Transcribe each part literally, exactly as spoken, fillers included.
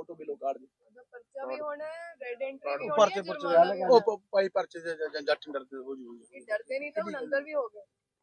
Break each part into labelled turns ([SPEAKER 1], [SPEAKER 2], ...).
[SPEAKER 1] Photo ਬਿਲੋ card ਦੀ
[SPEAKER 2] ਪਰਚਾ ਵੀ ਹੋਣਾ ਹੈ, ਰੈਡ ਐਂਟਰੀ ਵੀ ਹੋਣੀ
[SPEAKER 1] ਪਰਚੇ
[SPEAKER 2] ਹੈ,
[SPEAKER 1] ਪਰਚੇ
[SPEAKER 2] ਜੁਰਮਾਨਾ ਵੀ ਹੋਣਾ
[SPEAKER 1] ਉਹ ਭਾਈ ਪਰਚੇ ਦੇ ਜੱਟ ਡਰਦੇ ਹੋ ਜੂਗੇ
[SPEAKER 2] ਹੈ। ਡਰਦੇ ਨਹੀਂ ਤਾਂ ਹੁਣ ਅੰਦਰ ਵੀ ਹੋ ਗਏ।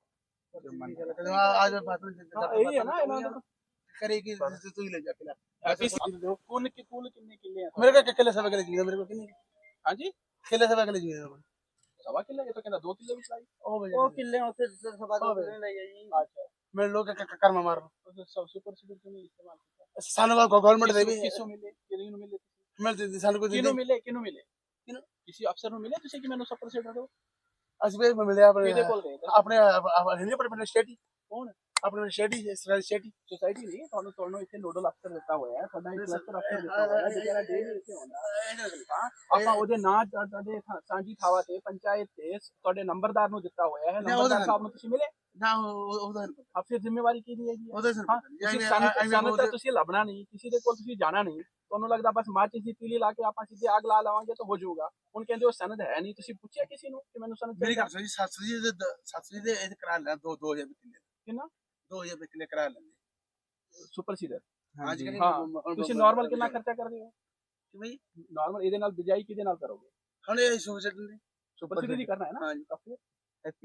[SPEAKER 1] आज बात यही है ना इन्होंने करेगी तू ही ले जा किला ऐसे कौन की कौन कितने किले हैं मेरे को किले सवा किले चाहिए मेरे को कितने हां जी किले सवा किले चाहिए सवा किले के तो कहना दो किले भी चाहिए ओ किले होते सवा किले ले जाइए अच्छा मैं लोग कर्म मार सब सुपर सुपर क्यों नहीं इस्तेमाल करता सानू गवर्नमेंट दे भी किसो मिले किनु मिले मिलते सानू को किनु मिले किनु मिले किसी अफसर ਨੂੰ ਮਿਲੇ ਤੁਸੀਂ ਕਿ ਮੈਨੂੰ ਸੁਪਰ ਸੀਡਰ ਦਿਓ ਅਸੀਂ ਵੀ ਮਿਲਿਆ ਆਪਣੇ ਆਪਣੇ ਆਪਣੇ ਆਪਣੇ ਸਟੇਟੀ ਕੌਣ ਆਪਣੇ ਸਟੇਟੀ ਸਟੇਟੀ ਸੋਸਾਇਟੀ ਨਹੀਂ ਤੁਹਾਨੂੰ ਤੁਹਾਨੂੰ ਇੱਥੇ ਨੋਡਲ ਅਫਸਰ ਦਿੱਤਾ ਹੋਇਆ ਹੈ ਤੁਹਾਡਾ ਇੱਕ ਕਲਸਟਰ ਅਫਸਰ ਦਿੱਤਾ ਹੋਇਆ ਹੈ ਜਿਹੜਾ ਡੇ ਇੱਥੇ ਹੁੰਦਾ ਆਪਾਂ ਉਹਦੇ ਨਾਂ ਤੁਹਾਡੇ ਸਾਂਝੀ ਥਾਵਾਂ ਤੇ ਪੰਚਾਇਤ ਤੇ ਤੁਹਾਡੇ ਨੰਬਰਦਾਰ ਨੂੰ ਦਿੱਤਾ ਹੋਇਆ ਹੈ ਨੰਬਰਦਾਰ ਸਾਹਿਬ ਨੂੰ ਤੁਸੀਂ ਮਿਲੇ ਨਾ ਉਹਦਾ ਅਫਸਰ ਜ਼ਿੰਮੇਵਾਰੀ ਕੀ ਦੀ ਹੈਗੀ ਉਹਦੇ ਸਰ ਤੁਸੀਂ ਲੱਭਣਾ ਨਹੀਂ ਕਿਸੇ ਦੇ ਕੋਲ ਤੁਸੀਂ ਜਾਣਾ ਨਹੀਂ ਤੁਹਾਨੂੰ ਲੱਗਦਾ ਬਸ ਮਾਚਿਸ ਦੀ ਤੀਲੀ ਲਾ ਕੇ ਆਪਾਂ ਸਿੱਧੇ ਆਗ ਲਾ ਲਵਾਂਗੇ ਤਾਂ ਹੋ ਜਾਊਗਾ ਹੁਣ ਕਹਿੰਦੇ ਉਹ ਸਨਦ ਹੈ ਨਹੀਂ ਤੁਸੀਂ ਪੁੱਛਿਆ ਕਿਸੇ ਨੂੰ ਕਿ ਮੈਨੂੰ ਸਨਦ ਮੇਰੀ ਗੱਲ ਸੁਣੀ ਸੱਸ ਜੀ ਦੇ ਸੱਸ ਜੀ ਦੇ ਇਹ ਕਰਾ ਲੈ ਦੋ ਦੋ ਹਜ਼ਾਰ ਕਿੱਲੇ ਕਿੰਨਾ ਦੋ ਹਜ਼ਾਰ ਕਿੱਲੇ ਕਰਾ ਲੈਂਦੇ ਸੁਪਰ ਸੀਡਰ ਹਾਂਜੀ ਹਾਂ ਤੁਸੀਂ ਨਾਰਮਲ ਕਿੰਨਾ ਖਰਚਾ ਕਰਦੇ ਹੋ ਕਿ ਬਈ ਨਾਰਮਲ ਇਹਦੇ ਨਾਲ ਬਿਜਾਈ ਕਿਹਦੇ ਨਾਲ ਕਰੋਗੇ ਹੁਣ ਇਹ ਸੁਪਰ ਸੀਡਰ ਦੀ ਸੁਪਰ ਸੀਡਰ ਦੀ ਕਰਨਾ ਹੈ ਨਾ ਹਾਂਜੀ ਕਾਫੀ ਹੈਪੀ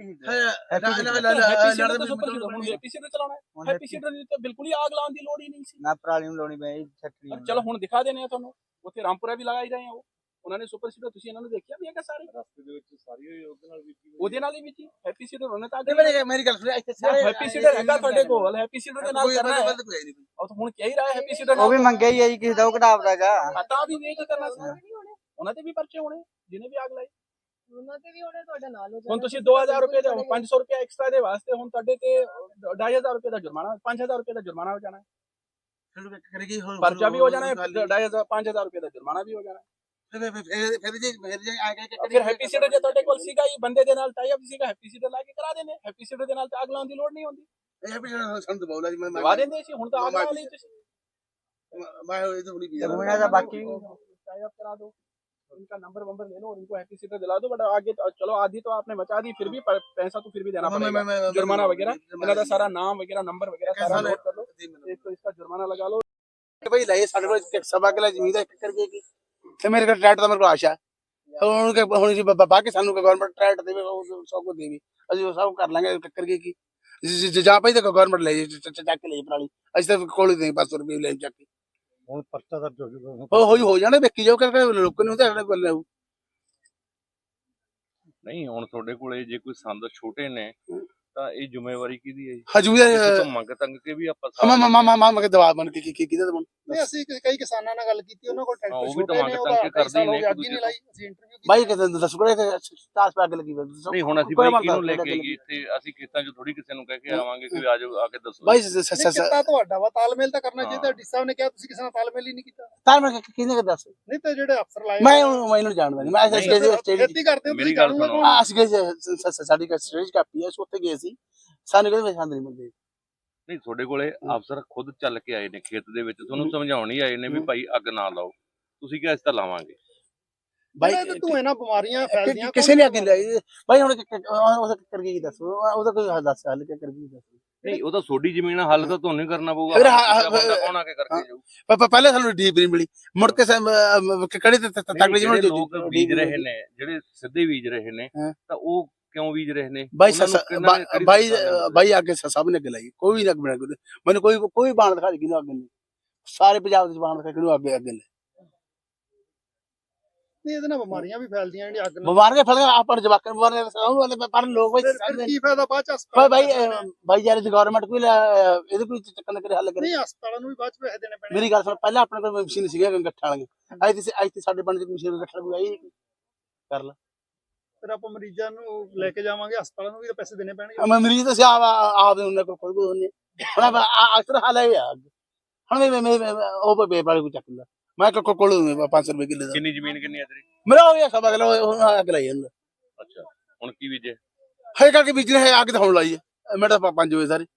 [SPEAKER 1] ਸੀਡਰ ਚਲਾਉਣਾ ਹੈ ਹੈਪੀ ਸੀਡਰ ਦੀ ਤਾਂ ਬਿਲਕੁਲ ਹੀ ਆਗ ਲਾਉਣ ਦੀ ਲੋੜ ਹੀ ਨਹੀਂ ਸੀ
[SPEAKER 3] ਨਾ ਪਰਾਲੀ ਨੂੰ ਲਾਉਣੀ ਪਈ ਛੱਟਣੀ
[SPEAKER 1] ਚਲੋ ਹੁਣ ਦਿਖਾ ਦੇਣੇ ਆ ਤੁਹਾਨੂੰ ਉੱਥੇ ਰਾਮਪੁਰਾ ਵੀ ਲਗਾਈ ਰਹੇ ਆ ਉਹ ਉਹਨਾਂ ਨੇ ਸੁਪਰ ਸੀਡਰ ਤੁਸੀਂ ਇਹਨਾਂ ਨੂੰ ਦੇਖਿਆ ਵੀ ਹੈਗਾ ਸਾਰੇ ਰਸਤੇ ਦੇ ਵਿੱਚ ਸਾਰੀ ਉਹਦੇ ਨਾਲ ਵੀ ਉਹਦੇ ਨਾਲ ਹੀ ਵੀ ਹੈਪੀ ਸੀਡਰ ਉਹਨੇ ਤਾਂ ਮੇਰੀ ਗੱਲ ਸੁਣਿਆ ਇੱਥੇ ਸਾਰੇ ਹੈਪੀ ਸੀਡਰ ਹੈਗਾ ਤੁਹਾਡੇ ਕੋਲ ਹੈਪੀ ਸੀਡਰ ਦੇ ਨਾਲ ਕਰਨਾ ਹੈ ਉਹ ਹੁਣ ਕਹਿ ਹੀ ਰਿਹਾ ਹੈਪੀ ਸੀਡਰ
[SPEAKER 3] ਉਹ ਵੀ ਮੰਗਿਆ ਹੀ ਹੈ ਜੀ ਕਿਸੇ ਦਾ ਉਹ ਘਟਾਵਦਾਗਾ
[SPEAKER 1] ਤਾਂ ਵੀ ਵੇਖ ਕਰਨਾ ਸੀ ਉਹਨਾਂ ਤੇ ਵੀ ਪਰਚੇ ਹੋਣੇ ਜਿਹਨੇ ਵੀ ਆਗ ਲਾਈ
[SPEAKER 2] ਉਹਨਾਂ ਤੇ ਵੀ ਉਹਨੇ ਤੁਹਾਡਾ ਨਾਲ ਹੋ
[SPEAKER 1] ਹੁਣ ਤੁਸੀਂ ਦੋ ਹਜ਼ਾਰ ਰੁਪਏ ਦੇ ਪੰਜ ਸੌ ਰੁਪਏ ਐਕਸਟਰਾ ਦੇ ਵਾਸਤੇ ਹੁਣ ਤੁਹਾਡੇ ਤੇ ਢਾਈ ਹਜ਼ਾਰ ਰੁਪਏ ਦਾ ਜੁਰਮਾਨਾ ਪੰਜ ਹਜ਼ਾਰ ਰੁਪਏ ਦਾ ਜੁਰਮਾਨਾ ਹੋ ਜਾਣਾ ਹੈ ਪਰਚਾ ਵੀ ਹੋ ਜਾਣਾ ਹੈ ਢਾਈ ਹਜ਼ਾਰ ਪੰਜ ਹਜ਼ਾਰ ਰੁਪਏ ਦਾ ਜੁਰਮਾਨਾ ਵੀ ਹੋ ਜਾਣਾ ਹੈ ਫਿਰ ਜੀ ਫਿਰ ਜੀ ਆ ਕੇ ਫਿਰ ਹੈਪੀ ਸੀਡਰ ਜੇ ਤੁਹਾਡੇ ਕੋਲ ਸੀਗਾ ਹੀ ਬੰਦੇ ਦੇ ਨਾਲ ਟਾਈ ਅਪ ਸੀਗਾ ਹੈਪੀ ਸੀਡਰ ਲਾ ਕੇ ਕਰਾ ਦੇਣੇ ਹੈਪੀ ਸੀਡਰ ਦੇ ਨਾਲ ਆਗ ਲਾਉਣ ਦੀ ਲੋੜ ਨਹੀਂ ਹੁੰਦੀ ਹੈਪੀ ਸੀਡਰ ਸਾਨੂੰ ਦਬਾਉਣਾ ਜੀ ਮੈਂ ਦਬਾ ਦਿੰਦੇ ਸੀ ਹੁਣ ਤਾਂ ਆਗ ਲਾ ਲਈ ਤੁਸੀਂ ਮੈਂ ਇਹ ਤਾਂ ਹੁਣੀ
[SPEAKER 3] ਜਮੂਨਾ ਦਾ ਬਾਕੀ
[SPEAKER 1] टाई अप करा दो उनका नंबर वंबर ले लो और इनको हैप्पी सीटर दिला दो बट आगे तो, चलो आधी तो आपने बचा दी फिर भी पैसा तो फिर भी देना पड़ेगा जुर्माना वगैरह इनका सारा नाम वगैरह नंबर वगैरह सारा नोट कर लो एक तो इसका जुर्माना लगा लो भाई लाए साढ़े को सभा के लिए जमीन एक करके की ਤੇ ਮੇਰੇ ਕੋਲ ਟਰੈਕਟ ਦਾ ਮੇਰੇ ਕੋਲ ਆਸ਼ਾ ਹੁਣ ਕਿ ਹੁਣ ਜੀ ਬਾਕੀ ਸਾਨੂੰ ਗਵਰਨਮੈਂਟ ਟਰੈਕਟ ਦੇਵੇ ਉਹ ਸਭ ਕੁਝ ਦੇਵੇ ਅਸੀਂ ਉਹ ਸਭ ਕਰ ਲਾਂਗੇ ਕਰਕੇ ਕੀ ਜਾਂ ਭਾਈ ਤੇ ਗਵਰਨਮੈਂਟ ਲੈ ਚੱਕ ਕੇ ਲੈ ਪਰਾਲੀ ਅਸੀਂ ਤਾਂ ਕੋਲ ਹੀ ਦੇ ਪੰਜ ਸੌ ਰੁਪਏ ਲੈ ਚੱਕ ਕੇ
[SPEAKER 4] ਹੁਣ ਪਰਚਾ ਦਰਜ ਹੋ ਜੂਗਾ
[SPEAKER 1] ਹੋ ਹੋਈ ਹੋ ਜਾਣਾ ਵੇਖੀ ਜਾਓ ਕਰਕੇ ਲੋਕਾਂ ਨੂੰ ਤਾਂ ਕੋਲ ਲੈਉ
[SPEAKER 5] ਨਹੀਂ ਹੁਣ ਤੁਹਾਡੇ ਕੋਲੇ ਜੇ ਕੋਈ ਸੰਦ ਛੋਟੇ ਨੇ ਤਾਂ ਇਹ ਜ਼ਿੰਮੇਵਾਰੀ ਕਿਹਦੀ ਹੈ ਜੀ
[SPEAKER 1] ਹਜੂਰ
[SPEAKER 5] ਮੰਗ ਤੰਗ ਕੇ ਵੀ ਆਪਾਂ
[SPEAKER 1] ਮਾ ਮਾ ਮਾ ਮਾ ਮਾ ਦਵਾ ਬਣ ਕੇ ਕੀ ਕਿਹਦਾ ਦਵਾ
[SPEAKER 4] ਨਹੀਂ ਅਸੀਂ ਕਈ ਕਿਸਾਨਾਂ ਨਾਲ ਗੱਲ ਕੀਤੀ ਉਹਨਾਂ ਕੋਲ
[SPEAKER 5] ਉਹ ਵੀ ਤਾਂ ਮੰਗ ਤੰਗ ਕੇ ਕਰਦੇ ਨੇ ਇੱਕ ਦੂਜੇ
[SPEAKER 4] ਲਾਈ ਅਸੀਂ ਇੰਟਰਵਿਊ
[SPEAKER 1] ਬਾਈ ਕਿਤੇ ਦੱਸ ਕੋਲੇ ਤੇ ਤਾਸ ਪਾ ਅੱਗ ਲੱਗੀ
[SPEAKER 5] ਨਹੀਂ ਹੁਣ ਅਸੀਂ ਬਾਈ ਕਿਹਨੂੰ ਲੈ ਕੇ ਗਏ ਇੱਥੇ ਅਸੀਂ ਖੇਤਾਂ 'ਚ ਥੋੜੀ ਕਿਸੇ ਨੂੰ ਕਹਿ ਕੇ ਆਵਾਂਗੇ ਕਿ ਆ ਜਾਓ ਆ ਕੇ ਦੱਸੋ
[SPEAKER 1] ਬਾਈ
[SPEAKER 4] ਕਿੱਤਾ ਤੁਹਾਡਾ ਵਾ ਤਾਲਮੇਲ ਤਾਂ ਕਰਨਾ ਚਾਹੀਦਾ ਡੀ ਸਾਹਿਬ ਨੇ ਕਿਹਾ ਤੁਸੀਂ ਕਿਸੇ ਨਾਲ ਤਾਲਮੇਲ ਹੀ ਨਹੀਂ ਕੀਤਾ
[SPEAKER 1] ਤਾਲਮੇਲ ਕਿਹਨੇ ਦੱਸ
[SPEAKER 4] ਨਹੀਂ ਤਾਂ ਜਿਹੜੇ ਅਫਸਰ ਲਾਏ
[SPEAKER 1] ਮੈਂ ਮੈਨੂੰ ਜਾਣਦਾ ਨਹੀਂ ਮੈਂ
[SPEAKER 4] ਖੇਤੀ ਕਰਦੇ ਹੋ
[SPEAKER 5] ਮੇਰੀ ਗੱਲ ਸੁਣੋ
[SPEAKER 1] ਅਸੀਂ ਸਾਡੀ ਸਟੇਜ ਕਾਪੀ ਹੈ ਉੱਥੇ ਗਏ ਸੀ ਸਾਨੂੰ ਕੋਈ ਪਸੰਦ ਨਹੀਂ ਮਿਲਦੀ
[SPEAKER 5] ਨਹੀਂ ਤੁਹਾਡੇ ਕੋਲੇ ਅਫਸਰ ਖੁਦ ਚੱਲ ਕੇ ਆਏ ਨੇ ਖੇਤ ਦੇ ਵਿੱਚ ਤੁਹਾਨੂੰ ਸਮਝਾਉਣ ਹੀ ਆਏ ਨੇ ਵੀ ਭਾਈ ਅੱਗ ਨਾ ਲਾਓ ਤੁਸੀਂ ਕਿਹਾ ਇਸ ਤਾਂ ਲਾਵਾਂਗੇ
[SPEAKER 4] ਬਾਈ ਤੂੰ ਇਹਨਾਂ ਬਿਮਾਰੀਆਂ ਫੈਲਦੀਆਂ
[SPEAKER 1] ਕਿਸੇ ਨੇ ਅੱਗੇ ਲਾਈ ਬਾਈ ਹੁਣ ਉਹ ਕਰ ਕੀ ਦੱਸੋ ਉਹਦਾ ਕੋਈ ਹੱਲ ਦੱਸ ਹੱਲ ਕਰ ਕੀ ਦੱਸ
[SPEAKER 5] ਨਹੀਂ ਉਹ ਤਾਂ ਤੁਹਾਡੀ ਜ਼ਮੀਨ ਹੱਲ ਤਾਂ ਤੁਹਾਨੂੰ ਹੀ ਕਰਨਾ ਪਊਗਾ ਕੌਣ ਆ ਕੇ ਕਰਕੇ ਜਾਊ
[SPEAKER 1] ਪਹਿਲੇ ਸਾਨੂੰ ਡੀਪ ਨਹੀਂ ਮਿਲੀ ਮੁੜ ਕੇ ਕਿਹੜੇ ਤਕੜੀ
[SPEAKER 5] ਜਿਹੜੇ ਲੋਕ ਬੀਜ ਰਹੇ ਨੇ ਜਿਹੜੇ ਸਿੱਧੇ ਬੀਜ ਰਹੇ ਨੇ ਤਾਂ ਉਹ ਕਿਉਂ ਬੀਜ ਰਹੇ ਨੇ
[SPEAKER 1] ਬਾਈ ਬਾਈ ਬਾਈ ਅੱਗੇ ਸਭ ਨੇ ਅੱਗੇ ਲਾਈ ਕੋਈ ਨਾ ਬਣਾ ਮੈਨੂੰ ਕੋਈ ਕੋਈ ਬਾਣ ਦਿਖਾ ਦੇ ਕਿਹਨੂੰ ਅੱਗੇ ਨਹੀਂ ਸਾਰੇ ਪੰਜਾਬ ਦੇ ਬਾਣ ਦਿਖਾ ਕਿਹਨੂੰ ਅੱਗੇ ਅੱਗੇ ਨੇ
[SPEAKER 4] ਨਹੀਂ ਇਹਦੇ ਨਾਲ ਬਿਮਾਰੀਆਂ ਵੀ ਫੈਲਦੀਆਂ ਜਿਹੜੀਆਂ ਅੱਗ ਨਾਲ
[SPEAKER 1] ਬਿਮਾਰੀਆਂ ਫੈਲਦੀਆਂ ਆਪਾਂ ਜਵਾਕਾਂ ਬਿਮਾਰੀਆਂ ਪਰ ਲੋਕ ਬਾਈ
[SPEAKER 4] ਕੀ ਫਾਇਦਾ ਬਾਅਦ ਚ
[SPEAKER 1] ਬਾਈ ਬਾਈ ਯਾਰ ਦੀ ਗਵਰਨਮੈਂਟ ਕੋਈ ਇਹਦੇ ਕੋਈ ਚੱਕਰ ਕਰੇ ਹੱਲ ਕਰੇ
[SPEAKER 4] ਨਹੀਂ ਹਸਪਤਾਲਾਂ ਨੂੰ ਵੀ ਬਾਅਦ ਚ ਪੈਸੇ ਦੇਣੇ ਪੈਣੇ
[SPEAKER 1] ਮੇਰੀ ਗੱਲ ਸੁਣ ਪਹਿਲਾਂ ਆਪਣੇ ਕੋਲ ਮਸ਼ੀਨ ਸੀਗਾ ਗੱਠਾਂ ਵਾਲੀਆਂ ਅੱਜ ਤੇ ਅੱਜ ਤੇ ਸਾਡੇ ਪਿੰਡ ਦੀ ਮਸ਼ੀਨ ਗੱਠਾਂ ਕੋਈ ਆਈ ਕਰ ਲਾ
[SPEAKER 4] ਫਿਰ ਆਪਾਂ ਮਰੀਜ਼ਾਂ ਨੂੰ ਲੈ ਕੇ ਜਾਵਾਂਗੇ ਹਸਪਤਾਲਾਂ ਨੂੰ ਵੀ ਤਾਂ ਪੈਸੇ ਦੇਣੇ ਪੈਣਗੇ
[SPEAKER 1] ਮੈਂ ਮਰੀਜ਼ ਤਾਂ ਸਿਆਹ ਆਵੇ ਉਹਨਾਂ ਕੋਲ ਕੋਈ ਕੋਈ ਨਹੀਂ ਹੁਣ ਅਕਸਰ ਹਾਲ ਹੈ ਹੁਣ ਮੈਂ ਉਹ ਬੇ ਵਾਲੇ ਕੋ ਚੱਕ ਲਾ ਮੈਂ ਕੋ ਕੋਲ ਪੰਜ ਸੌ ਰੁਪਏ ਕਿੱਲੇ ਦਾ
[SPEAKER 5] ਕਿੰਨੀ ਜ਼ਮੀਨ ਕਿੰਨੀ ਹੈ ਤੇਰੀ
[SPEAKER 1] ਮੇਰਾ ਹੋ ਗਿਆ ਸਭ ਅਗਲਾ ਅੱਗ ਲਾਈ ਜਾਂਦਾ
[SPEAKER 5] ਅੱਛਾ ਹੁਣ ਕੀ ਬੀਜੇ
[SPEAKER 1] ਹੈ ਕਰਕੇ ਬੀਜਣਾ ਹੈ ਅੱਗ ਤਾਂ ਹੁਣ ਲਾਈ ਹੈ ਮੈਂ ਤਾਂ ਪੰਜ ਵਜੇ ਸਾਰੇ